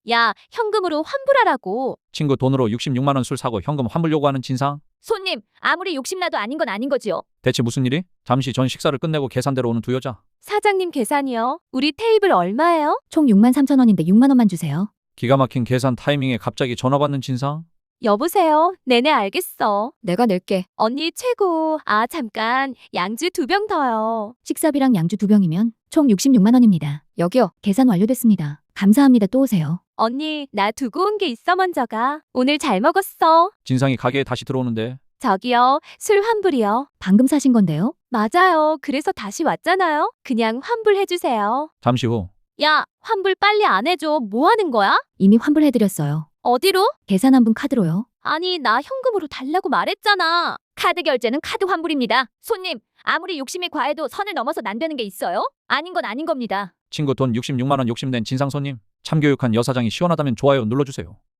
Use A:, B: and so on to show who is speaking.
A: 야, 현금으로 환불하라고.
B: 친구 돈으로 66만 원 술 사고 현금 환불 요구하는 진상?
A: 손님, 아무리 욕심나도 아닌 건 아닌 거지요.
B: 대체 무슨 일이? 잠시 전 식사를 끝내고 계산대로 오는 두 여자.
A: 사장님 계산이요. 우리 테이블 얼마예요?
C: 총 6만 3천 원인데 6만 원만 주세요.
B: 기가 막힌 계산 타이밍에 갑자기 전화 받는 진상?
A: 여보세요. 네네 알겠어.
C: 내가 낼게.
A: 언니 최고. 아, 잠깐. 양주 2병 더요.
C: 식사비랑 양주 2병이면 총 66만 원입니다. 여기요. 계산 완료됐습니다. 감사합니다. 또 오세요.
A: 언니, 나 두고 온 게 있어 먼저 가. 오늘 잘 먹었어.
B: 진상이 가게에 다시 들어오는데
A: 저기요. 술 환불이요.
C: 방금 사신 건데요.
A: 맞아요. 그래서 다시 왔잖아요. 그냥 환불해주세요.
B: 잠시 후
A: 야, 환불 빨리 안 해줘. 뭐 하는 거야?
C: 이미 환불해드렸어요.
A: 어디로?
C: 계산한 분 카드로요.
A: 아니, 나 현금으로 달라고 말했잖아. 카드 결제는 카드 환불입니다. 손님, 아무리 욕심이 과해도 선을 넘어서 안 되는 게 있어요? 아닌 건 아닌 겁니다.
B: 친구 돈 66만 원 욕심낸 진상 손님. 참교육한 여사장이 시원하다면 좋아요 눌러주세요.